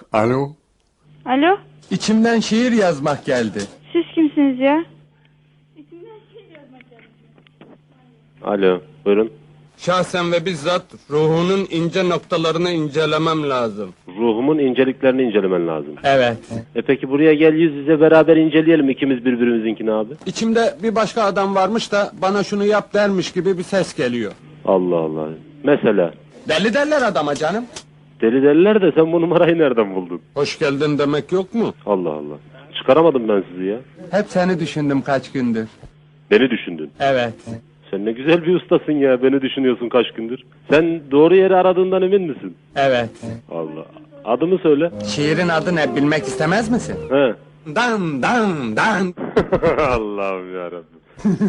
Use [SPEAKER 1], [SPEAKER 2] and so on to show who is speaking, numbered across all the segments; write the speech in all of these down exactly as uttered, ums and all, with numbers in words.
[SPEAKER 1] Alo.
[SPEAKER 2] Alo,
[SPEAKER 1] İçimden şiir yazmak geldi.
[SPEAKER 2] siz kimsiniz ya?
[SPEAKER 3] Alo, buyurun.
[SPEAKER 1] Şahsen ve bizzat ruhunun ince noktalarını incelemem lazım.
[SPEAKER 3] Ruhumun inceliklerini incelemen lazım.
[SPEAKER 1] Evet.
[SPEAKER 3] E peki buraya gel, yüz yüze beraber inceleyelim ikimiz birbirimizinkini abi.
[SPEAKER 1] İçimde bir başka adam varmış da bana şunu yap dermiş gibi bir ses geliyor.
[SPEAKER 3] Allah Allah. Mesela,
[SPEAKER 1] Deli derler adama canım.
[SPEAKER 3] deli deliler de sen bu numarayı nereden buldun?
[SPEAKER 1] Hoş geldin demek yok mu?
[SPEAKER 3] Allah Allah. Çıkaramadım ben sizi ya.
[SPEAKER 1] Hep seni düşündüm kaç gündür.
[SPEAKER 3] Beni düşündün.
[SPEAKER 1] Evet.
[SPEAKER 3] Sen ne güzel bir ustasın ya, beni düşünüyorsun kaç gündür. Sen doğru yeri aradığından emin misin?
[SPEAKER 1] Evet.
[SPEAKER 3] Allah. Adımı söyle.
[SPEAKER 1] Şiirin adı ne bilmek istemez misin?
[SPEAKER 3] He.
[SPEAKER 1] Dan dan dan.
[SPEAKER 3] Allah'ım yarabbim.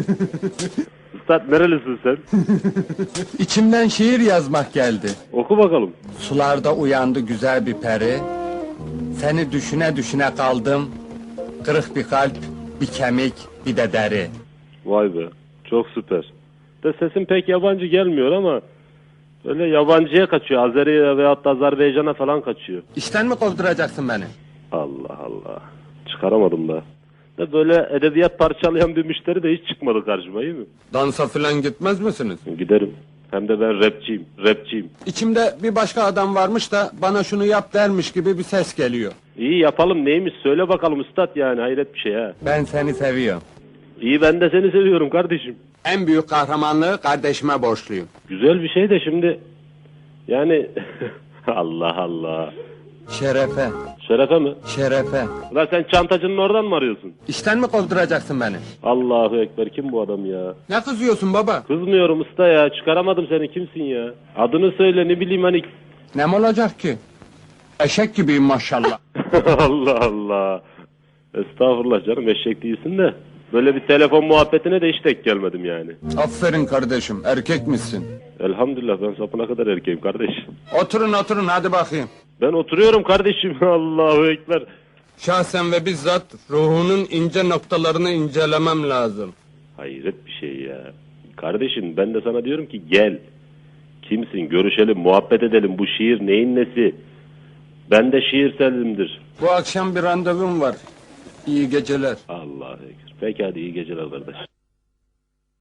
[SPEAKER 3] Üstad nerelisin sen?
[SPEAKER 1] İçimden şiir yazmak geldi.
[SPEAKER 3] Oku bakalım.
[SPEAKER 1] Sularda uyandı güzel bir peri. Seni düşüne düşüne kaldım. Kırık bir kalp, bir kemik, bir de deri.
[SPEAKER 3] Vay be. Çok süper. De sesin pek yabancı gelmiyor ama öyle yabancıya kaçıyor. Azeri'ye veyahut da Azerbaycan'a falan kaçıyor.
[SPEAKER 1] İşten mi kovduracaksın beni?
[SPEAKER 3] Allah Allah. Çıkaramadım da. De böyle edebiyat parçalayan bir müşteri de hiç çıkmadı karşıma, iyi mi?
[SPEAKER 1] Dansa filan gitmez misiniz?
[SPEAKER 3] Giderim. Hem de ben rapçiyim. Rapçiyim.
[SPEAKER 1] İçimde bir başka adam varmış da bana şunu yap dermiş gibi bir ses geliyor.
[SPEAKER 3] İyi yapalım, neymiş söyle bakalım üstad, yani hayret bir şey ha.
[SPEAKER 1] Ben seni seviyorum.
[SPEAKER 3] İyi, ben de seni seviyorum kardeşim.
[SPEAKER 1] En büyük kahramanlığı kardeşime borçluyum.
[SPEAKER 3] Güzel bir şey de şimdi yani Allah Allah.
[SPEAKER 1] Şerefe,
[SPEAKER 3] Şerefe mi?
[SPEAKER 1] şerefe.
[SPEAKER 3] Ulan sen çantacının oradan mı arıyorsun?
[SPEAKER 1] İşten mi kovduracaksın beni?
[SPEAKER 3] Allahu Ekber, kim bu adam ya?
[SPEAKER 1] Ne kızıyorsun baba?
[SPEAKER 3] Kızmıyorum usta ya, çıkaramadım seni, kimsin ya? Adını söyle, ne bileyim hani.
[SPEAKER 1] Ne mi olacak ki? Eşek gibiyim maşallah.
[SPEAKER 3] Allah Allah. Estağfurullah canım, eşek değilsin de. Böyle bir telefon muhabbetine de hiç tek gelmedim yani.
[SPEAKER 1] Aferin kardeşim, erkek misin?
[SPEAKER 3] Elhamdülillah, ben sapına kadar erkeğim kardeş.
[SPEAKER 1] Oturun oturun hadi bakayım.
[SPEAKER 3] Ben oturuyorum kardeşim. Allahu Ekber.
[SPEAKER 1] Şahsen ve bizzat ruhunun ince noktalarını incelemem lazım.
[SPEAKER 3] Hayret bir şey ya. Kardeşim ben de sana diyorum ki gel. Kimsin, görüşelim, muhabbet edelim. Bu şiir neyin nesi? Ben de şiirselimdir.
[SPEAKER 1] Bu akşam bir randevum var. İyi geceler.
[SPEAKER 3] Allahu Ekber. Peki hadi iyi geceler kardeş.